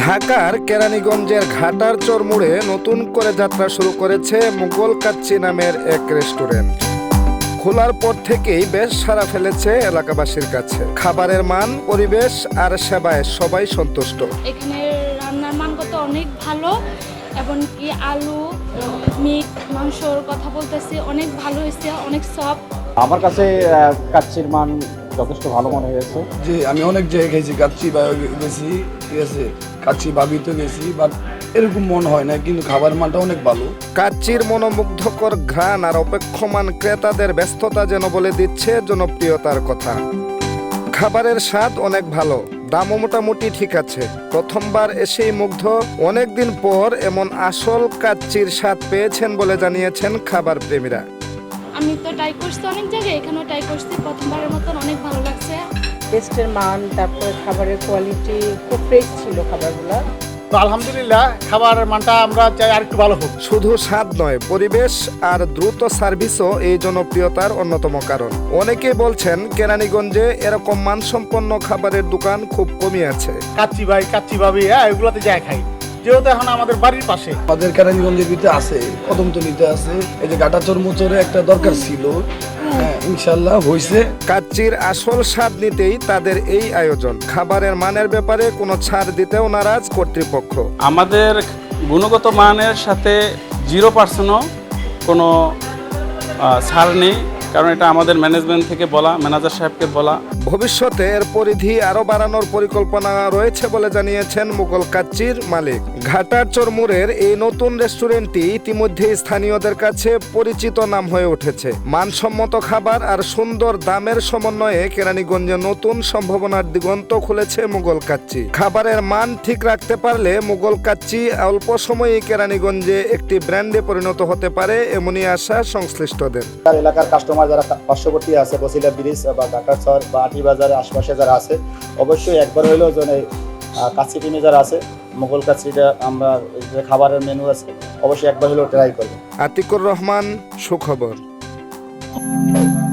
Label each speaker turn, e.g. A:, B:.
A: ঢাকার কেরানীগঞ্জের ঘাটার চর মোড়ে নতুন করে যাত্রা শুরু করেছে মুঘল কাচ্চি নামের এক রেস্টুরেন্ট। খোলার পর থেকেই বেশ সাড়া ফেলেছে এলাকাবাসীর কাছে। খাবারের মান, পরিবেশ আর সেবায় সবাই সন্তুষ্ট।
B: এখানে রান্নার মানগত অনেক ভালো, এবং কি আলু, মিট, মাংসর কথা বলতেছি অনেক ভালো হয়েছে, অনেক সফট।
C: আমার কাছে কাচ্চির মান যথেষ্ট ভালো মনে হয়েছে।
D: জি, আমি অনেক জায়গায় খেয়েছি, কাচ্চি বা গেছি, ঠিক আছে, কাচ্চি বাবিতে গেছি, বাট এরকম মনে হয় না, কিন্তু খাবার মানটা অনেক ভালো।
A: কাচ্চির মনোমুগ্ধকর ঘ্রাণ আর অপেক্ষমান ক্রেতাদের ব্যস্ততা যেন বলে দিচ্ছে জনপ্রিয়তার কথা। খাবারের স্বাদ অনেক ভালো, দামও মোটামুটি ঠিক আছে। প্রথমবার এসেই মুগ্ধ, অনেকদিন পর এমন আসল কাচ্চির স্বাদ পেয়েছেন বলে জানিয়েছেন খাবার প্রেমীরা।
B: আমি তো ট্রাই করছি অনেক জায়গায়, এখানেও ট্রাই করছি, প্রথমবারের মতন অনেক ভালো লাগছে।
E: টেস্টের মান, তারপরে খাবারের কোয়ালিটি খুব ফ্রেশ ছিল খাবারগুলো।
F: তো আলহামদুলিল্লাহ, খাবারের মানটা আমরা চাই আর একটু ভালো হোক।
A: শুধু স্বাদ নয়, পরিবেশ আর দ্রুত সার্ভিসও এই জনপ্রিয়তার অন্যতম কারণ। অনেকেই বলছেন কেরানীগঞ্জে এরকম মানসম্পন্ন খাবারের দোকান খুব কমই আছে।
F: কাচ্চি ভাই, কাচ্চি ভাবি, এগুলোতে যাই খাই, যেহেতু এখন আমাদের বাড়ির পাশে।
D: আমাদের কেরানীগঞ্জের ভিতরে আছে, কদমতলিতে আছে, এই যে ঘাটাচর মোচরে একটা দরকার ছিল, হ্যাঁ, ইনশাল্লাহ হয়েছে।
A: কাচ্চির আসল স্বাদ নিতেই তাদের এই আয়োজন। খাবারের মানের ব্যাপারে কোনো ছাড় দিতেও নারাজ কর্তৃপক্ষ।
G: আমাদের গুণগত মানের সাথে 0% কোনো ছাড় নেই, কারণ এটা আমাদের ম্যানেজমেন্ট থেকে বলা, ম্যানেজার সাহেবকে বলা।
A: ভবিষ্যতে এর পরিধি আরও বাড়ানোর পরিকল্পনা রয়েছে বলে জানিয়েছেন মুঘল কাচ্চির মালিক। ঘাটার চর মোড়ের এই নতুন রেস্টুরেন্টটি ইতিমধ্যে স্থানীয়দের কাছে পরিচিত নাম হয়ে উঠেছে। মানসম্মত খাবার আর সুন্দর দামের সমন্বয়ে কেরানীগঞ্জে নতুন সম্ভাবনার দিগন্ত খুলেছে মুঘল কাচ্চি। খাবারের মান ঠিক রাখতে পারলে মুঘল কাচ্চি অল্প সময়েই কেরানীগঞ্জে একটি ব্র্যান্ডে পরিণত হতে পারে, এমনই আশা সংশ্লিষ্টদের।
C: এলাকার কাস্টমার যারা পার্শ্ববর্তী আছে, বসিলা ব্রিজ বা ঢাকার চর বা আটি বাজারের আশপাশে যারা আছে, অবশ্যই একবার হইলেও যেন কাচ্চি প্রেমী যারা আছে, মুঘল কাচ্চিটা আমরা যে খাবারের মেনু আছে, অবশ্যই একবার হলেও ট্রাই করবে।
A: আতিকুর রহমান, সুখবর।